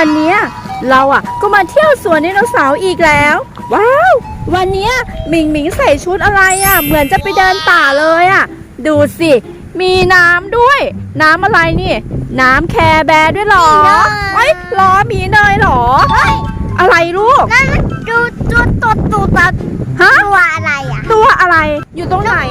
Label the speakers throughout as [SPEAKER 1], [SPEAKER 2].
[SPEAKER 1] วันนี้เราก็มาเที่ยวสวนไดโนเสาร์อีกแล้วว้าววันนี้หมิงหมิงใส่ชุดอะไรเหมือนจะไปเดินป่าเลยดูสิมีน้ำด้วยน้ำอะไรนี่น้ำแคร์แบร์ด้วยหรอเฮ้ยล้อมีเนยหรออะไรลูก
[SPEAKER 2] นั่นดูตัว
[SPEAKER 1] ฮะ
[SPEAKER 2] ตัวอะไร
[SPEAKER 1] ตัวอะไรอยู่ตรงไหน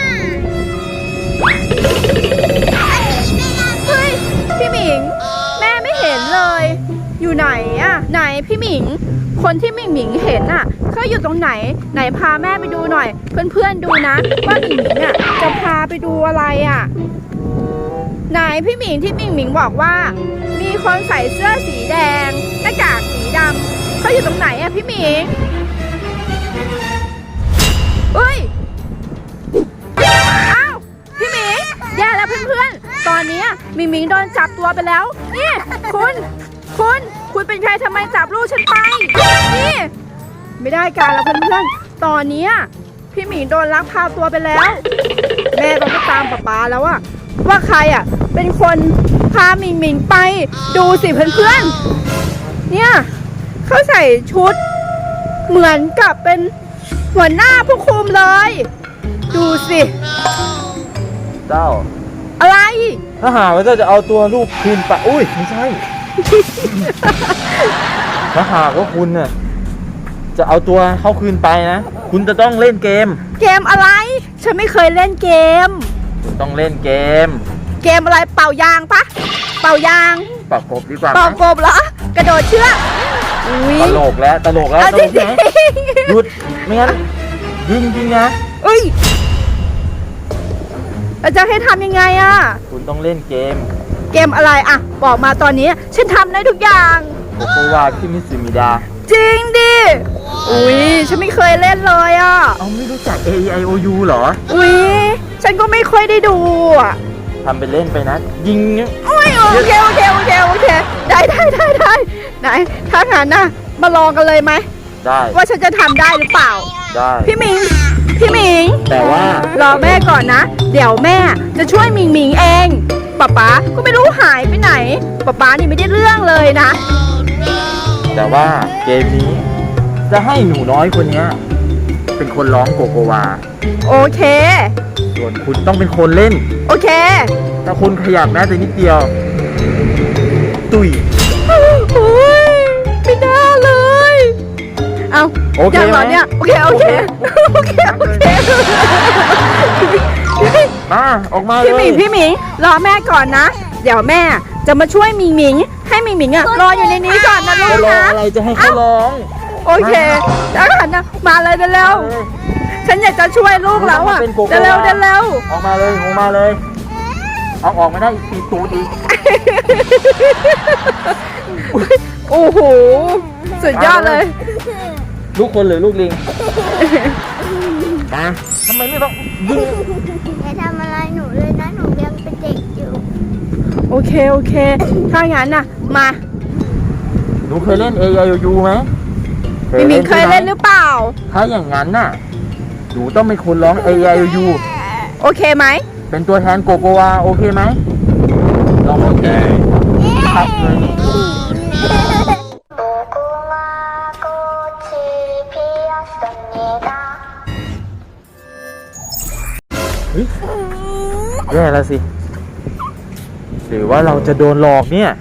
[SPEAKER 1] เฮ้ยพี่หมิงแม่ไม่เห็นเลยอยู่ไหนไหนพี่หมิงคนที่หมิงหมิงเห็นเขาอยู่ตรงไหนไหนพาแม่ไปดูหน่อยเพื่อนๆดูนะว่าหมิงหมิงจะพาไปดูอะไรไหนพี่หมิงที่หมิงหมิงบอกว่ามีคนใส่เสื้อสีแดงหน้ากากสีดำเขาอยู่ตรงไหนพี่หมิงเฮ้ยอ้าวพี่หมิงแย่แล้วเพื่อนๆตอนนี้หมิงหมิงโดนจับตัวไปแล้วนี่คุณเป็นใครทำไมจับลูกฉันไปนี่ไม่ได้การแล้วเพื่อนๆตอนนี้พี่หมิงโดนลักพาตัวไปแล้วแม่ต้องไปตามป๊าแล้วว่าใครเป็นคนพาหมิงหมิงไปดูสิเพื่อนๆเนี่ยเขาใส่ชุดเหมือนกับเป็นหัวหน้าผู้คุมเลยดูสิ
[SPEAKER 3] เจ้า
[SPEAKER 1] อะไร
[SPEAKER 3] ถ้าหากว่าเจ้าจะเอาตัวลูกคืนไปอุ้ยไม่ใช่ ถ้าหากว่าคุณจะเอาตัวเขาคืนไปนะคุณจะต้องเล่นเกม
[SPEAKER 1] อะไรฉันไม่เคยเล่นเกม
[SPEAKER 3] คุณต้องเล่นเกม
[SPEAKER 1] อะไรเป่ายางปะเป่ายาง
[SPEAKER 3] เป่ากบดีกว่า
[SPEAKER 1] เป่ากบเหรอกระโดดเชือก
[SPEAKER 3] ตลกแล้วหยุดไม่งั้นยิงนะ
[SPEAKER 1] เราจะให้ทำยังไง
[SPEAKER 3] คุณต้องเล่นเกม
[SPEAKER 1] อะไรบอกมาตอนนี้ฉันทำได้ทุกอย่าง
[SPEAKER 3] โกโกวาคิมิสึมิดา
[SPEAKER 1] จริงดิฉันไม่เคยเล่นเลย
[SPEAKER 3] เอาไม่รู้จัก A I O U เหรอ
[SPEAKER 1] ฉันก็ไม่ค่อยได้ดู
[SPEAKER 3] ทำเป็นเล่นไปนะยิง
[SPEAKER 1] โอเคได้ไหนถ้างั้นมาลองกันเลยไหม
[SPEAKER 3] ได้
[SPEAKER 1] ว่าฉันจะทำได้หรือเปล่า
[SPEAKER 3] ได้
[SPEAKER 1] พี่หมิง
[SPEAKER 3] แต่ว่าร
[SPEAKER 1] อแม่ก่อนนะเดี๋ยวแม่จะช่วยหมิงหมิงเองป๊าก็ไม่รู้หายไปไหนป๊านี่ไม่ได้เรื่องเลยนะ
[SPEAKER 3] แต่ว่าเกมนี้จะให้หนูน้อยคนนี้เป็นคนร้องโกโกวา
[SPEAKER 1] โอเค
[SPEAKER 3] ส่วนคุณต้องเป็นคนเล่น
[SPEAKER 1] โอเค
[SPEAKER 3] ถ้าคุณขยับแม้แต่นิดเดียวตุย
[SPEAKER 1] ไม่น่าเลยเอา
[SPEAKER 3] โอเค
[SPEAKER 1] ไหมเนี่ยโอเค
[SPEAKER 3] มาออกมาเลย
[SPEAKER 1] พี่หมิงรอแม่ก่อนนะเดี๋ยวแม่จะมาช่วยหมิงหมิงให้หมิงหมิงรออยู่ในนี้ก่อนนะลูกนะ
[SPEAKER 3] อะไรจะให้เขาร้อง
[SPEAKER 1] โอเคแล้วกันนะมาเลยเร็วฉันอยากจะช่วยลูกแล้วเร็ว
[SPEAKER 3] ออกมาเลยเอาออกไม่ได้ตีตูดอีก
[SPEAKER 1] โอ้โหสุดยอดเลย
[SPEAKER 3] ลูกคนหรือลูกลิงทำไมไม่ต้องยิง
[SPEAKER 2] อย่าทำอะไรหนูเลยนะหนูยังเป็นเด็กอยู่
[SPEAKER 1] โอเคถ้างั้นมา
[SPEAKER 3] หนูเคยเล่น A I O U ไหม
[SPEAKER 1] มิงเคยเล่นหรือเปล่า
[SPEAKER 3] ถ้าอย่างนั้นหนูต้องเป็นคนร้อง A I O U
[SPEAKER 1] โอเคไหม
[SPEAKER 3] เป็นตัวแทนโกโกวาโอเคไหมลองโอเคครับเลยแย่แล้วสิหรือว่าเราจะโดนหลอกเนี่ย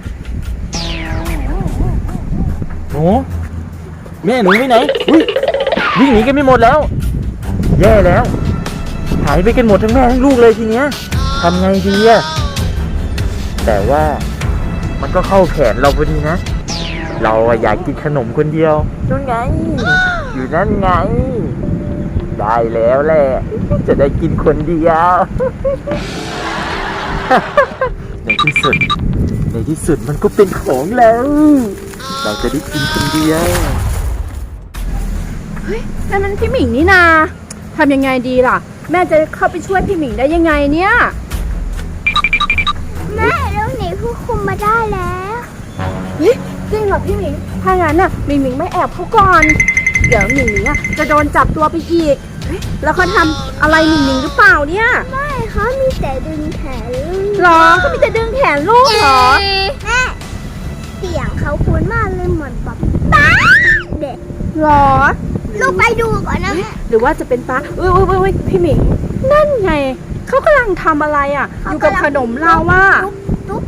[SPEAKER 3] หนูแม่หนูไปไหนวิ่งหนีกันไม่หมดแล้วแย่แล้วหายไปกันหมดทั้งแม่ทั้งลูกเลยทีเนี้ยทำไงดีแต่ว่ามันก็เข้าแขนเราพอดีนะเราอยากกินขนมคนเดียวนั่นไงอยู่นั่นไงได้แล้วแหละจะได้กินคนเดียวในที่สุดมันก็เป็นของแล้วเราจะได้กินคนเดียว
[SPEAKER 1] เฮ้ยนั่นมันพี่หมิงนี่นาทำยังไงดีล่ะแม่จะเข้าไปช่วยพี่หมิงได้ยังไงเนี่ย
[SPEAKER 2] แม่เราหนีผู้คุมมาได้แล้ว
[SPEAKER 1] จริงเหรอพี่หมิงถ้างั้นหมิงไม่แอบเขาก่อนเดี๋ยวหมิงจะโดนจับตัวไปอีกแล้วเขาทำอะไรหมิงหรือเปล่าเนี่ย
[SPEAKER 2] ไม่เขามีแต่ดึงแขน
[SPEAKER 1] หรอเขามีแต่ดึงแขนลูกเหรอ
[SPEAKER 2] เสียงเขาคุ้นมากเลยเหมือนป๊าป๊าเด็ก
[SPEAKER 1] หรอ
[SPEAKER 2] ลูกไปดูก่อนนะแม่
[SPEAKER 1] หรือว่าจะเป็นป้าอุ้ยพี่หมิง นั่นไง เขากำลังทำอะไรอ่ะ อยู่กับขนมเราว่า
[SPEAKER 2] ตุ๊บ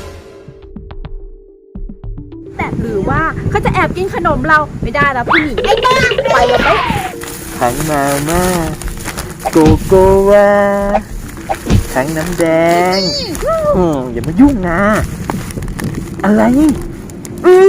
[SPEAKER 2] แบบ
[SPEAKER 1] หรือว่าเขาจะแอบกินขนมเราไม่ได้แล้วพี่หมิง
[SPEAKER 2] ไอ้บ้า
[SPEAKER 1] ไปเลยไหม
[SPEAKER 3] ทั้งมาม่าโกโกวาทั้งน้ำแดงอย่ามายุ่งนะ อะไรเอ้ย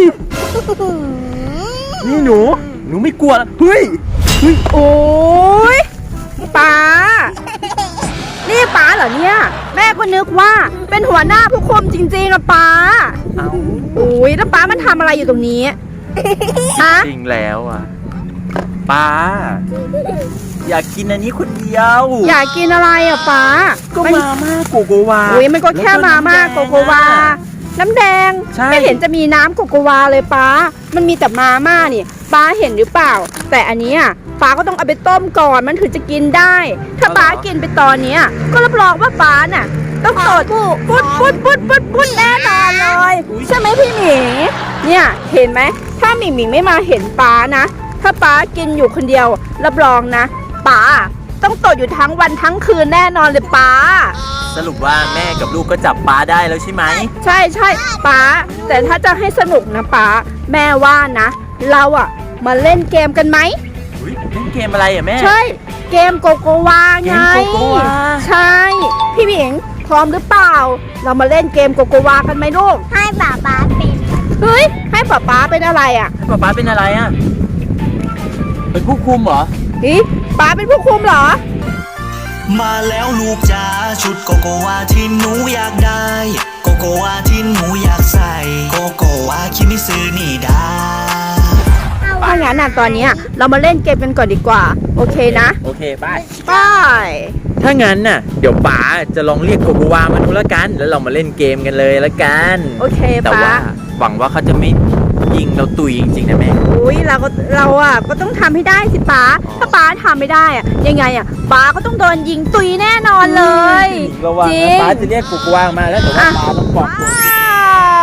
[SPEAKER 3] นี่หนูไม่กลัวแล้วเฮ้ย
[SPEAKER 1] โอ้ยป้า นี่ป้าเหรอเนี่ย แม่ก็นึกว่าเป็นหัวหน้าผู้คุมจริงๆนะป้า
[SPEAKER 3] เอา
[SPEAKER 1] โอ้ยแล้วป้ามันทำอะไรอยู่ตรงนี้ฮะ
[SPEAKER 3] จริงแล้วอ่ะป้า อยากกินอันนี้คนเดียว
[SPEAKER 1] อยากกินอะไรอ่ะป้า
[SPEAKER 3] ก็มาม่าโกโกวา
[SPEAKER 1] อุ้ยมันก็แค่มาม่าโกโกวา น้ำแดง
[SPEAKER 3] ใช่
[SPEAKER 1] ไม่เห็นจะมีน้ำโกโกวาเลยป้า มันมีแต่มาม่านี่ป้าเห็นหรือเปล่า แต่อันเนี้ยป้าก็ต้องเอาไปต้มก่อนมันถึงจะกินได้ ถ้าป้ากินไปตอนเนี้ยก็รับรองว่าป้าน่ะต้องตดปุดแน่นอนเลยใช่ไหมพี่หมิงเนี่ยเห็นไหมถ้าหมิงไม่มาเห็นป้านะ ถ้าป้ากินอยู่คนเดียวรับรองนะป้าต้องตดอยู่ทั้งวันทั้งคืนแน่นอนเลยป้า
[SPEAKER 3] สรุปว่าแม่กับลูกก็จับป้าได้แล้วใช่ไหม
[SPEAKER 1] ใช่ป้าแต่ถ้าจะให้สนุกนะป้าแม่ว่านะ เราอะมาเล่นเกมกันไหม
[SPEAKER 3] อุ๊ยเล่นเกมอะไรอ่ะแม่
[SPEAKER 1] ใช่ เกมโกโกวาไง
[SPEAKER 3] เกมโกโกวา
[SPEAKER 1] ใช่พี่หมิงพร้อมหรือเปล่า เรามาเล่นเกมโกโกวากันไหมลูก
[SPEAKER 2] ให้ป๊าป๊าเป็น
[SPEAKER 1] เฮ้ยให้ป้าเป็นอะไรอะ
[SPEAKER 3] ให้ป้าเป็นอะไรอ่ะเป็นผู้คุมเหรอ
[SPEAKER 1] ฮิป้าเป็นผู้คุมเหรอ
[SPEAKER 4] มาแล้วลูกจ๋าชุดโกโกวาที่หนูอยากได้ โกโกวาที่หนูอยากใส่ โกโกวาคิมิซึนี่ดา
[SPEAKER 1] ถ้างั้นน่ะตอนเนี้ยเรามาเล่นเกมกันก่อนดีกว่า โอเคนะ
[SPEAKER 3] โอเคไป
[SPEAKER 1] ไป
[SPEAKER 3] ถ้างั้นน่ะเดี๋ยวป๋าจะลองเรียกโกโกวามาดูแล้วกัน แล้วเรามาเล่นเกมกันเลยแล้วกัน
[SPEAKER 1] โอเค
[SPEAKER 3] แต่
[SPEAKER 1] ป้า
[SPEAKER 3] ว่าหวังว่าเขาจะไม่ยิงเราตุยจริงๆนะแม่
[SPEAKER 1] อุ้ยเราอะก็ต้องทำให้ได้สิป้า ถ้าป้าทำไม่ได้อะยังไงอะป้าก็ต้องโดนยิงตุยแน่นอนเลย
[SPEAKER 3] ระวัง
[SPEAKER 1] จริ
[SPEAKER 3] นะ
[SPEAKER 1] ง
[SPEAKER 3] ป๋าจะเรียกโกโกวามาแล้วแต่ว่าป๋าต้องปลอมตัว
[SPEAKER 1] ว้าว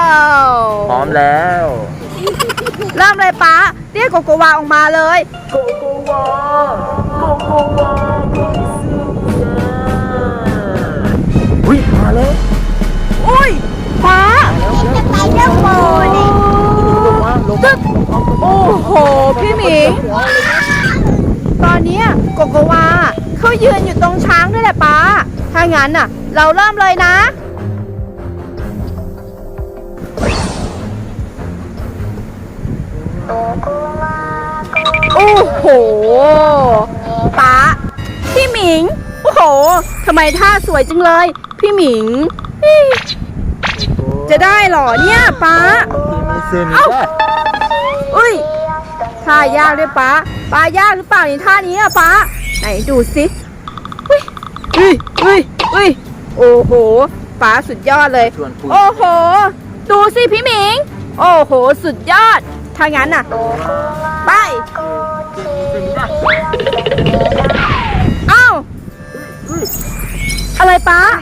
[SPEAKER 3] พร้อมแล้ว
[SPEAKER 1] เริ่มเลยป้าเรียกโกโกวาออกมาเลย
[SPEAKER 3] โกโกวาโกโกวาอุ้ยมาแล้ว
[SPEAKER 1] อุ้ยป้า
[SPEAKER 2] จะไปเรื่องโบเลย
[SPEAKER 1] ตึ๊กโอ้โหพี่หมิงตอนเนี้ยโกโกวาเขายืนอยู่ตรงช้างด้วยแหละป้าถ้างั้นน่ะ เราเริ่มเลยนะ โอ้โหป้าพี่หมิง โอ้โหทำไมท่าสวยจังเลย พี่หมิงอี้จะได้เหรอเนี่ยป้า เอ้า อุ้ยท่ายากด้วยป้ายากหรือเปล่าในท่านี้อะป้าไหนดูสิอุ้ยโอ้โหป้าสุดยอดเลย
[SPEAKER 3] ชวนคุย
[SPEAKER 1] โอ้โห ดูสิพี่หมิง โอ้โห สุดยอด ถ้างั้นน่ะ ไป เอ้า อะไรป้า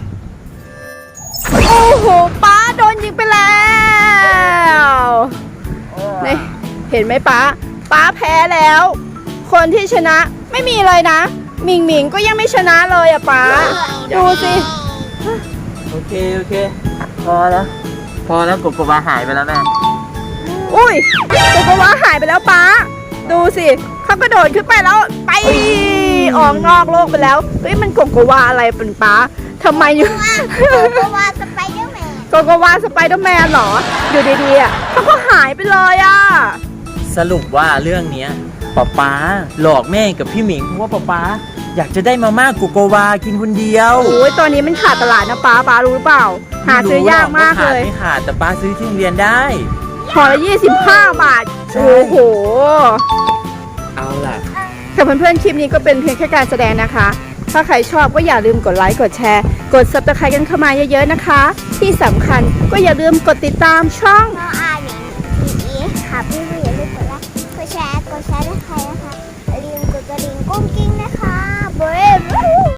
[SPEAKER 1] โอ้โหป้าโดนยิงไปแล้วนี่เห็นไหมป้าแพ้แล้ว คนที่ชนะไม่มีเลยนะหมิงก็ยังไม่ชนะเลยอะป้า ดูสิ
[SPEAKER 3] โอเคพอแล้วโกโกวาหายไปแล้วแม่
[SPEAKER 1] อุ้ยโกโกวาหายไปแล้วป้า ดูสิเขากระโดดขึ้นไปแล้วไปออกนอกโลกไปแล้วเฮ้ยมันโกโกวาอะไรเป็นป้าทำไมอยู่
[SPEAKER 2] โกโกวาสไปเดอร์แมน
[SPEAKER 1] โกโกวาสไปเดอร์แมนเหรอ อยู่ดีๆอ่ะเขาก็หายไปเลยอ่ะ
[SPEAKER 3] สรุปว่าเรื่องเนี้ยป๊าหลอกแม่กับพี่หมิงเพราะว่าป๊าอยากจะได้มาม่าโกโกวากินคนเดียว
[SPEAKER 1] โอ้ยตอนนี้มันขาดตลาดนะป้ารู้หรือเปล่า หาซื้อยากมากเลย
[SPEAKER 3] ไม่ขาดแต่ป๊าซื้อที่โรงเรียนได้
[SPEAKER 1] ห่อละ25 บาท
[SPEAKER 3] ใช่
[SPEAKER 1] โอ้โห
[SPEAKER 3] เอาล่ะ
[SPEAKER 1] ค่ะเพื่อนๆคลิปนี้ก็เป็นเพียงแค่การแสดงนะคะ ถ้าใครชอบก็อย่าลืมกดไลค์กดแชร์ กด Subscribe กันเข้ามาเยอะๆนะคะ ที่สำคัญก็อย่าลืมกดติดตามช่อง
[SPEAKER 2] น้องอาหนิงอีค่ะพี่อย่าลืมกดไลค์กดแชร์ด้วยใครนะคะอย่าลืมกดกระดิ่งกุ้งกิ้งนะคะ